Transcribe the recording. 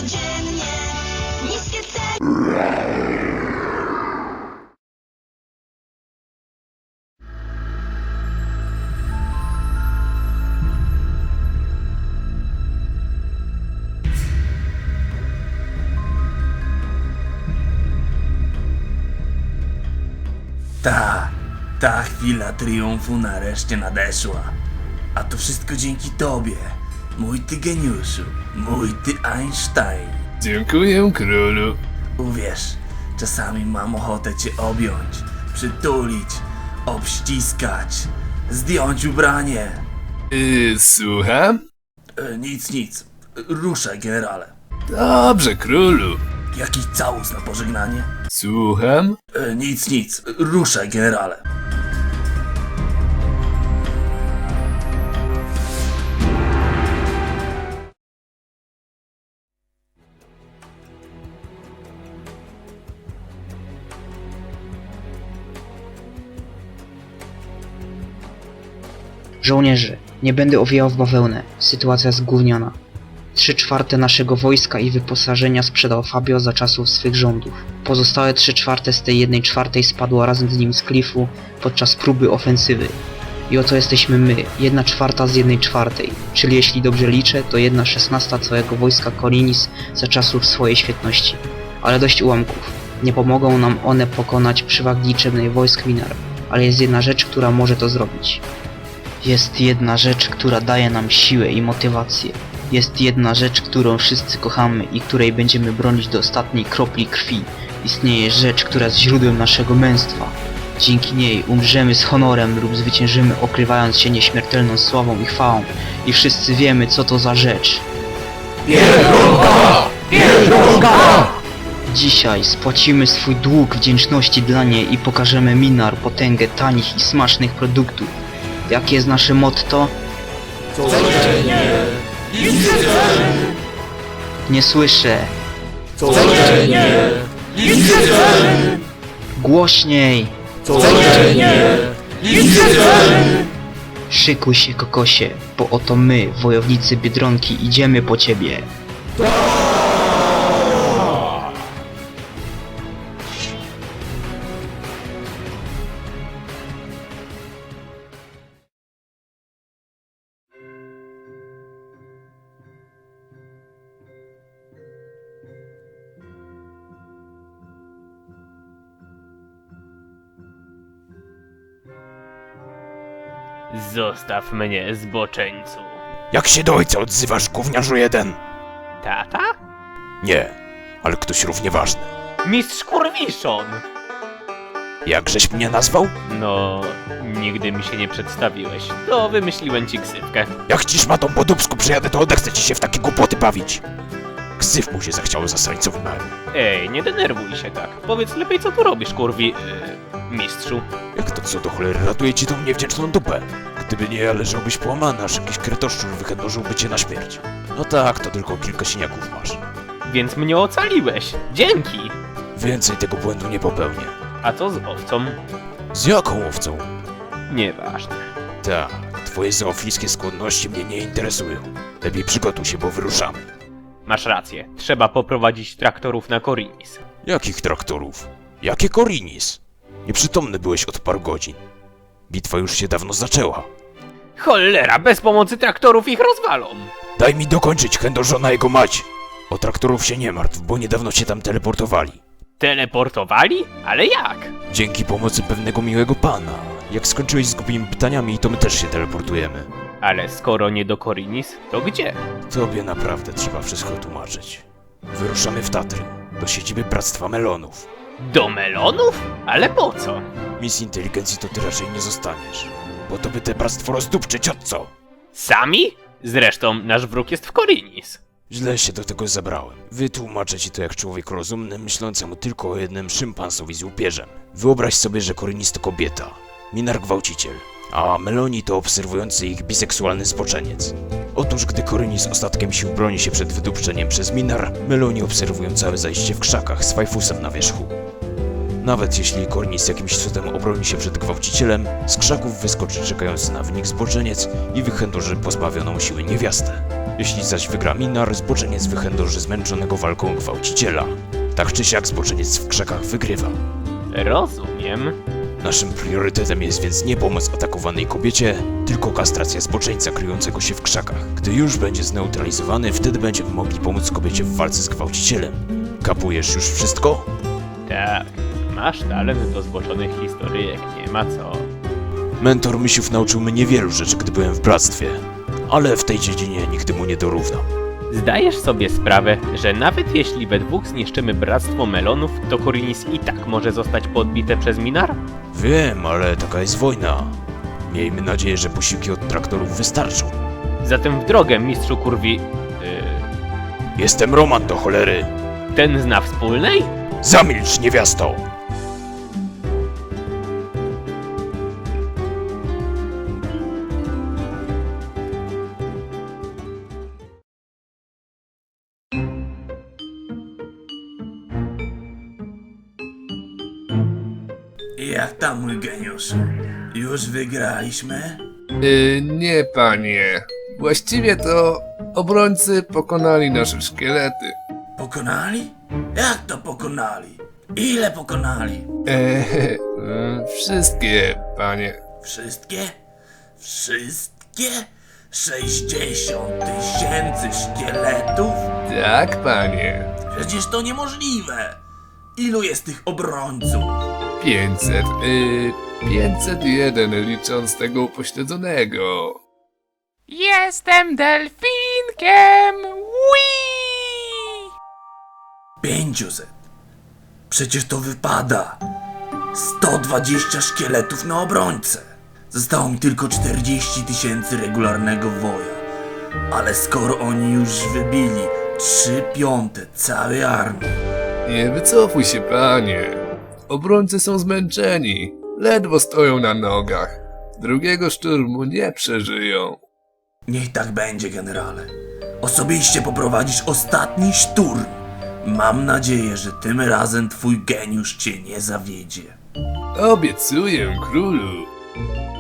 codziennie. Niskie ceny. Ta chwila triumfu nareszcie nadeszła. A to wszystko dzięki tobie, mój ty geniuszu, mój ty Einstein. Dziękuję, królu. Uwierz, czasami mam ochotę cię objąć, przytulić, obściskać, zdjąć ubranie. Słucham? Nic, ruszaj generale. Dobrze, królu. Jakiś całus na pożegnanie? Słucham? Nic, ruszaj generale. Żołnierze, nie będę owijał w bawełnę. Sytuacja jest gówniana. 3/4 naszego wojska i wyposażenia sprzedał Fabio za czasów swych rządów. Pozostałe 3/4 z tej 1/4 spadło razem z nim z klifu podczas próby ofensywy. I oto jesteśmy my, 1/4 z 1/4, czyli jeśli dobrze liczę, to 1/16 całego wojska Korinis za czasów swojej świetności. Ale dość ułamków. Nie pomogą nam one pokonać przewagi liczebnej wojsk Minar, ale jest jedna rzecz, która może to zrobić. Jest jedna rzecz, która daje nam siłę i motywację. Jest jedna rzecz, którą wszyscy kochamy i której będziemy bronić do ostatniej kropli krwi. Istnieje rzecz, która jest źródłem naszego męstwa. Dzięki niej umrzemy z honorem lub zwyciężymy, okrywając się nieśmiertelną sławą i chwałą. I wszyscy wiemy, co to za rzecz. Biedronka! Dzisiaj spłacimy swój dług wdzięczności dla niej i pokażemy Minar potęgę tanich i smacznych produktów. Jakie jest nasze motto? Codziennie! Nie słyszę. Codziennie! Głośniej! Codziennie! Szykuj się, kokosie, bo oto my, wojownicy Biedronki, idziemy po ciebie. Zostaw mnie, zboczeńcu. Jak się do ojca odzywasz, gówniarzu jeden? Tata? Nie, ale ktoś równie ważny. Mistrz Kurwiszon! Jakżeś mnie nazwał? No, nigdy mi się nie przedstawiłeś. To wymyśliłem ci ksywkę. Jak ci szmatą po dubsku przyjadę, to odechcę ci się w takie głupoty bawić. Ksyw mu się zachciało zastrańców memu. Ej, nie denerwuj się tak. Powiedz lepiej, co tu robisz, mistrzu. Jak to co do cholery ratuje ci tą niewdzięczną dupę? Gdyby nie ja, leżałbyś połamany, aż jakiś kretoszczur wychędożyłby cię na śmierć. No tak, to tylko kilka siniaków masz. Więc mnie ocaliłeś. Dzięki! Więcej tego błędu nie popełnię. A co z owcą? Z jaką owcą? Nieważne. Tak, twoje zoofilskie skłonności mnie nie interesują. Lepiej przygotuj się, bo wyruszamy. Masz rację. Trzeba poprowadzić traktorów na Korinis. Jakich traktorów? Jakie Korinis? Nieprzytomny byłeś od paru godzin. Bitwa już się dawno zaczęła. Cholera, bez pomocy traktorów ich rozwalą! Daj mi dokończyć, chędożona jego mać! O traktorów się nie martw, bo niedawno się tam teleportowali. Teleportowali? Ale jak? Dzięki pomocy pewnego miłego pana. Jak skończyłeś z głupimi pytaniami, to my też się teleportujemy. Ale skoro nie do Korinis, to gdzie? Tobie naprawdę trzeba wszystko tłumaczyć. Wyruszamy w Tatry, do siedziby Bractwa Melonów. Do melonów? Ale po co? Miss Inteligencji to ty raczej nie zostaniesz. Bo to by te bractwo rozdupczyć, od co? Sami? Zresztą nasz wróg jest w Korinis. Źle się do tego zabrałem. Wytłumaczę ci to jak człowiek rozumny, myślącemu tylko o jednym szympansowi z łupieżem. Wyobraź sobie, że Korinis to kobieta. Minar gwałciciel. A Meloni to obserwujący ich biseksualny zboczeniec. Otóż gdy Korinis ostatkiem sił broni się przed wydupczeniem przez Minar, Meloni obserwują całe zajście w krzakach z fajfusem na wierzchu. Nawet jeśli Kornis jakimś cudem obroni się przed gwałcicielem, z krzaków wyskoczy czekający na wynik zboczeniec i wychędoży pozbawioną siły niewiastę. Jeśli zaś wygra Minar, zboczeniec wychędoży zmęczonego walką gwałciciela. Tak czy siak zboczeniec w krzakach wygrywa. Rozumiem. Naszym priorytetem jest więc nie pomoc atakowanej kobiecie, tylko kastracja zboczeńca kryjącego się w krzakach. Gdy już będzie zneutralizowany, wtedy będziemy mogli pomóc kobiecie w walce z gwałcicielem. Kapujesz już wszystko? Tak, masz talent do zboczonych historyjek, nie ma co. Mentor Misiów nauczył mnie wielu rzeczy, gdy byłem w bractwie, ale w tej dziedzinie nigdy mu nie dorównam. Zdajesz sobie sprawę, że nawet jeśli we dwóch zniszczymy Bractwo Melonów, to Korinis i tak może zostać podbite przez Minar? Wiem, ale taka jest wojna. Miejmy nadzieję, że posiłki od traktorów wystarczą. Zatem w drogę, mistrzu kurwi... Jestem Roman do cholery. ten zna wspólnej? Zamilcz, niewiasto! Jak tam, mój geniuszu? Już wygraliśmy? Nie, panie. Właściwie to obrońcy pokonali nasze szkielety. Pokonali? Jak to pokonali? Ile pokonali? Wszystkie, panie. Wszystkie? Wszystkie? 60 000 szkieletów? Tak, panie. Przecież to niemożliwe! Ilu jest tych obrońców? 500, 501 licząc tego upośledzonego. Jestem delfinkiem! Wii! 500. Przecież to wypada. 120 szkieletów na obrońcę. Zostało mi tylko 40 000 regularnego woja. Ale skoro oni już wybili 3/5 całej armii, Nie wycofuj się, panie. Obrońcy są zmęczeni. Ledwo stoją na nogach. Drugiego szturmu nie przeżyją. niech tak będzie, generale. Osobiście poprowadzisz ostatni szturm. Mam nadzieję, że tym razem twój geniusz cię nie zawiedzie. Obiecuję, królu.